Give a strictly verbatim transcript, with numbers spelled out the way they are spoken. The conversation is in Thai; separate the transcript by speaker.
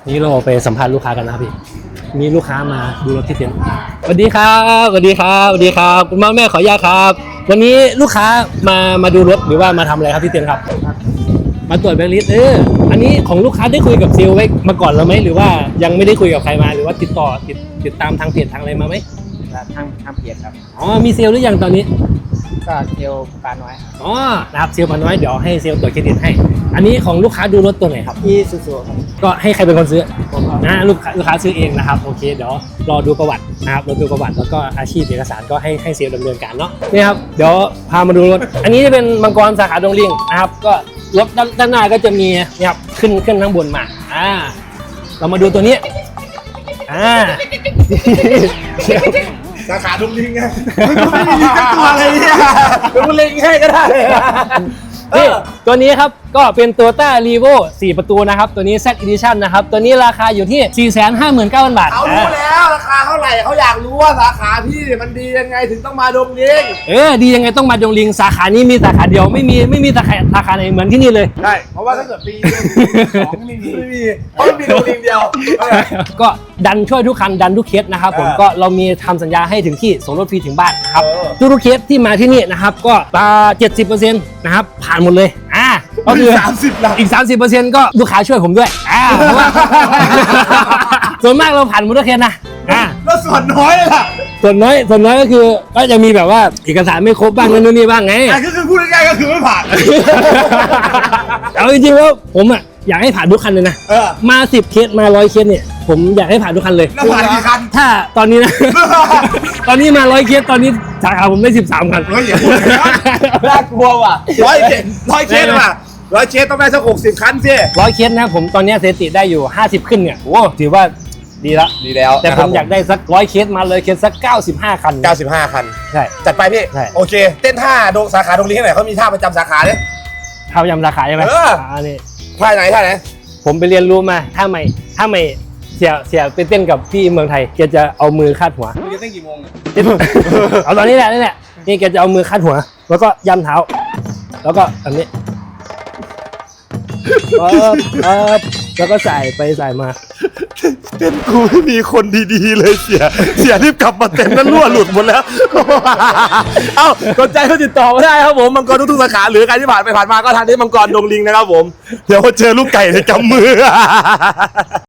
Speaker 1: นี่เราไปสัมภาษณ์ลูกค้ากันนะครับพี่มีลูกค้ามาดูรถที่เต็นท์สวัสดีครับสวัสดีครับสวัสดีครับคุณพ่อแม่ขออนุญาตครับวันนี้ลูกค้ามามาดูรถหรือว่ามาทำอะไรครับที่เต็นท์ครับมาตรวจแบงค์ลิสต์เอออันนี้ของลูกค้าได้คุยกับเซลล์ไว้มาก่อนแล้วไหมหรือว่ายังไม่ได้คุยกับใครมาหรือว่าติดต่อติดติดตามทางเพจทางอะไรมาไหม
Speaker 2: ทางทางเพจครับ
Speaker 1: อ๋อมีเซลล์หรือยังตอนนี้
Speaker 2: ก็เซลล์ปลาน้อย
Speaker 1: อ๋อนะครับเซลล์ปาน้อยเดี๋ยวให้เซลล์ตรวจเครดิตให้อันนี้ของลูกค้าดูรถตัวไหนครับ
Speaker 2: ที่ซูซูครับ
Speaker 1: ก็ให้ใครเป็นคนซื้อผมนะลูกค้าลูกค้าซื้อเองนะครับโอเคเดี๋ยวรอดูประวัตินะครับรอดูประวัติแล้วก็อาชีพเอกสารก็ให้ให้เซลล์ดำเนินการเนาะนี่ครับเดี๋ยวพามาดูรถอันนี้จะเป็นมังกรสาขาดงลิงนะครับก็รถด้านหน้าก็จะมีเนี่ยครับขึ้นขึ้นข้างบนมาอ่าเรามาดูตัวนี้อ่า
Speaker 3: สาขาดงลิงไงไม่มีตัวอะไรเนี่ยดงลิงให้ก็ได้
Speaker 1: นี่ตัวนี้ครับก็เป็น Toyota Revo สี่ประตูนะครับตัวนี้ Z Edition นะครับตัวนี้ราคาอยู่ที่ สี่แสนห้าหมื่นเก้าพัน บาท
Speaker 3: เขารู้แล้วราคาเท่าไหร่เขาอยากรู้ว่าสาขาพี่มันดียังไงถึงต้องมาดงลิง
Speaker 1: เออดียังไงต้องมาดงลิงสาขานี้มีสาขาเดียวไม่มีไม่มีสาขาสาขาไหนเหมือนที่นี่เลย
Speaker 3: ใช่เพราะว่าถ้าเกิดปีสองไม่มีไม่มีเพราะมันมีดงลิงเดียว
Speaker 1: ก็ดันช่วยทุกคันดันทุกเคสนะครับผมก็เรามีทำสัญญาให้ถึงที่ส่งรถฟรีถึงบ้านนะครับทุกเคสที่มาที่นี่นะครับก็ตา เจ็ดสิบเปอร์เซ็นต์ นะครับผ่านหมดเลยอ่าก็คือ
Speaker 3: สามสิบหลัก
Speaker 1: อีก สามสิบเปอร์เซ็นต์ ก็ลูกค้าช่วยผมด้วยอ่าเพราะว่าส่วนมากเราผ่านหมดทุกเคสนะอ่า
Speaker 3: แล้วส่วนน้อยเลยล่ะ
Speaker 1: ส่วนน้อยส่วนน้อยก็คือก็จะมีแบบว่าเอกสารไม่ครบบ้างนั่นนี่บ้างไง
Speaker 3: อ่ะก็คือพูดง่ายๆก็คือไม่ผ่าน
Speaker 1: เอาจริงๆแล้วผมอ่ะอยากให้ผ่านทุกคันเลยนะมาสิบเคสมาร้อยเคสเนี่ยผมอยากให้ผ่านทุกคันเลย
Speaker 3: แล้วผ่านกี่คัน
Speaker 1: ถ้าตอนนี้นะตอนนี้มาร้อยเคสตอนนี้สาขาผมได้สิบสามคัน
Speaker 3: เฮ้ยอย่าพูดนะน่ากลัวว่ะร้อยเคสร้อยเคสว่ะร้อยเคสต้องได้สักหกสิบคันสิ
Speaker 1: ร้อยเคสนะผมตอนนี้สถิติได้อยู่ห้าสิบขึ้นเนี่ยโอ้ถือว่าดีละ
Speaker 3: ดีแล้ว
Speaker 1: แต่ผมอยากได้สักร้อยเคสมาเลยเคสสักเก้าสิบห้าคัน
Speaker 3: เก้าสิบห้าคัน
Speaker 1: ใช่
Speaker 3: จัดไปพี่โอเคเต้นท่าดงสาขาดงลิงไหนเขามีท่าประจำสาขาเนี่ย
Speaker 1: ท่าประจำสาขาใช่ไหม
Speaker 3: เออ
Speaker 1: อันนี้
Speaker 3: ท่าไหนท่าไหน
Speaker 1: ผมไปเรียนรู้มาถ้าไม่ถ้าไม่เสียเสียไปเต้นกับพี่เมืองไทยแกจะเอามือคาดหัว
Speaker 3: มึงจะเต้นกี่โมง
Speaker 1: เอาตอนนี้แหละนี่แหละนี่แกจะเอามือคาดหัวแล้วก็ย่ำเท้าแล้วก็อันนี้ปั๊บปั๊บแล้วก็ใส่ไปใส่มา
Speaker 3: เต้นกูไม่มีคนดีๆเลยเสียเสียรีบกลับมาเต้นนั้นรั่วหลุดหมดแล้วเอ้าสนใจก็ติดต่อมาได้ครับผมมังกรทุกๆสาขาหรือใครที่ผ่านไปผ่านมาก็ทานที่มังกรดงลิงนะครับผมเดี๋ยวเจอลูกไก่ในกำมือ